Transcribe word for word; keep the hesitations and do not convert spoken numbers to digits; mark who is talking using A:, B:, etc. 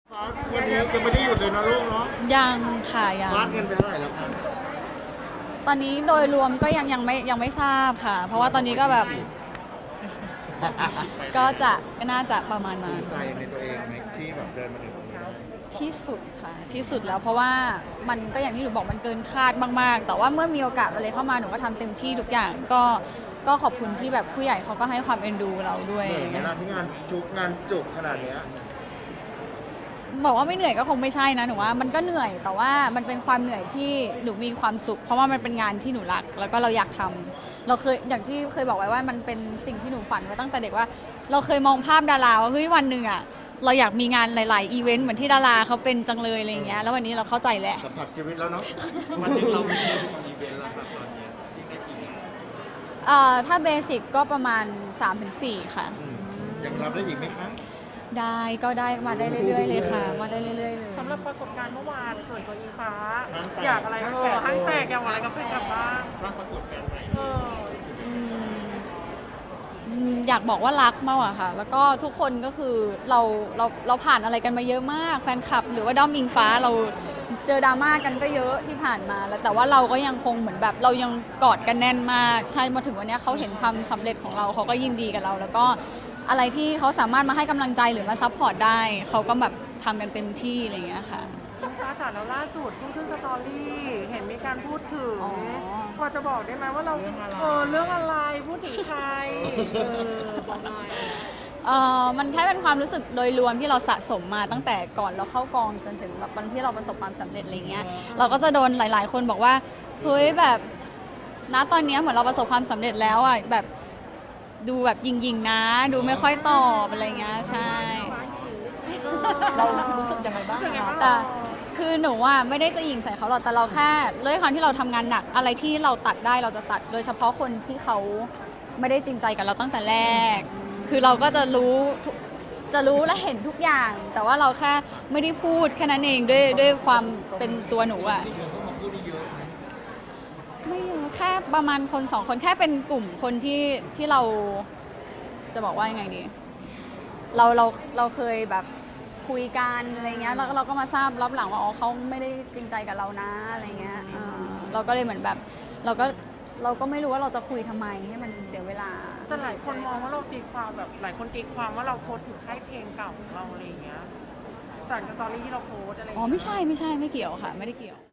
A: ฟ้าวันนี้ยังไม่ได้หยุดเลยนะลูกเนาะ
B: ยังค่ะยัง
A: วาดเงินไปเท่าไหร่แล้วครับ
B: ตอนนี้โดยรวมก็ยังยังไม่ยังไม่ทราบค่ะ เพราะว่าตอนนี้ก็แบบ ก็จะก็น่าจะประมาณนั้น
A: ภูมิใจในตัวเองไหมที่แบบเดินมาถึงตรงนี้ได้
B: ที่สุดค่ะที่สุดแล้วเพราะว่ามันก็อย่างที่หนูบอกมันเกินคาดมากๆ แต่ว่าเมื่อมีโอกาสอะไรเข้ามาหนูก็ทำเต็มที่ทุกอย่างก็ก็ขอบคุณที่แบบผู้ใหญ่เขาก็ให้ความเอ็นดูเราด้วย
A: เหนื่อยไหมล่ะที่งานจุกงานจุกขนาดเนี้ย
B: บอกว่าไม่เหนื่อยก็คงไม่ใช่นะหนูว่ามันก็เหนื่อยแต่ว่ามันเป็นความเหนื่อยที่หนูมีความสุขเพราะว่ามันเป็นงานที่หนูรักแล้วก็เราอยากทำเราเคยอย่างที่เคยบอกไว้ว่ามันเป็นสิ่งที่หนูฝันไว้ตั้งแต่เด็กว่าเราเคยมองภาพดาราว่าเฮ้ยวันหนึ่งอ่ะเราอยากมีงานหลายๆอีเวนต์เหมือนที่ดาราเขาเป็นจังเลยอะไรอย่างเงี้ยแล้ววันนี้เราเข้าใจแหละ
A: สัมผัสชีวิตแล้วเนาะ
C: วันนึงเรามีอีเวนต์แล้วครับตอนนี้ที่ได้กี่
B: เอ่อถ้าเบสิกก็ประมาณ สามถึงสี่ ค่ะ
A: ยังรับได้อีกไหมคะ
B: ได้ก็ได้มาได้เรื่อยๆเลยค่ะมาได้เรื่อยๆเลย
D: สำหรับปรากฏการณ์เมื่อวานส่วนตัวอิงฟ้าอยากอะไรเออห้างแตกอยากอะไรกับเพื่อนกลับบ้าง
C: ร่างประกฏการณ์ใหม่
D: เออ
B: อืมอืมอยากบอกว่ารักมากอะค่ะ แล้วก็ทุกคนก็คือเราเราเราผ่านอะไรกันมาเยอะมากแฟนคลับหรือว่าด้อมอิงฟ้าเราเจอดราม่ากันก็เยอะที่ผ่านมาแล้วแต่ว่าเราก็ยังคงเหมือนแบบเรายังกอดกันแน่นมากใช่มาถึงวันนี้เขาเห็นความสำเร็จของเราเขาก็ยินดีกับเราแล้วก็อะไรที่เขาสามารถมาให้กำลังใจหรือมาซัพพอร์ตได้เขาก็แบบทำกันเต็มที่อะไรอย่างเงี้ยค่ะ
D: อิงฟ้าจ๋าแล้วล่าสุดเพิ่งขึ้นสตอรี่เห็นมีการพูดถึงพอจะบอกได้ไหมว่าเราเออเรื่องอะไรพูดถึงใครเออบอกหน่อย
B: เออมันแค่เป็นความรู้สึกโดยรวมที่เราสะสมมาตั้งแต่ก่อนเราเข้ากองจนถึงแบบวันที่เราประสบความสำเร็จอะไรเงี้ยเราก็จะโดนหลาย ๆ คนบอกว่าเฮ้ยแบบณตอนนี้เหมือนเราประสบความสำเร็จแล้วอ่ะแบบดูแบบยิงๆนะดูไม่ค่อยตอบอะไรเงี้ยใช่
D: เรารู้สึกยังไงบ้าง
B: แต่คือหนูอ่ะไม่ได้จะยิงใส่เขาหรอกแต่เราแค่ด้วยความที่เราทำงานหนักอะไรที่เราตัดได้เราจะตัดโดยเฉพาะคนที่เขาไม่ได้จริงใจกับเราตั้งแต่แรกคือเราก็จะรู้จะรู้และเห็นทุกอย่าง แต่ว่าเราแค่ไม่ได้พูดแค่นั้นเองด้วยด้วยความเป็นตัวหนูอ่ะไม่เยอะแค่ประมาณคนสองคนแค่เป็นกลุ่มคนที่ที่เราจะบอกว่ายังไงดีเราเราเราเคยแบบคุยกันอะไรเงี้ยแล้วเราก็มาทราบรับหลังว่าอ๋อเขาไม่ได้จริงใจกับเรานะอะไรเงี้ยเราก็เลยเหมือนแบบเราก็เราก็ไม่รู้ว่าเราจะคุยทำไมให้มันเสียเวลา
D: แต่หลายคนมองว่าเราตีความแบบหลายคนตีความว่าเราโพสถึงค่ายเพลงเก่าของเราอะไรอย่างเงี้ยจากสตอรี่ที่เราโพสอะไร
B: อ๋อไม่ใช่ไม่ใช่ไม่เกี่ยวค่ะไม่ได้เกี่ยว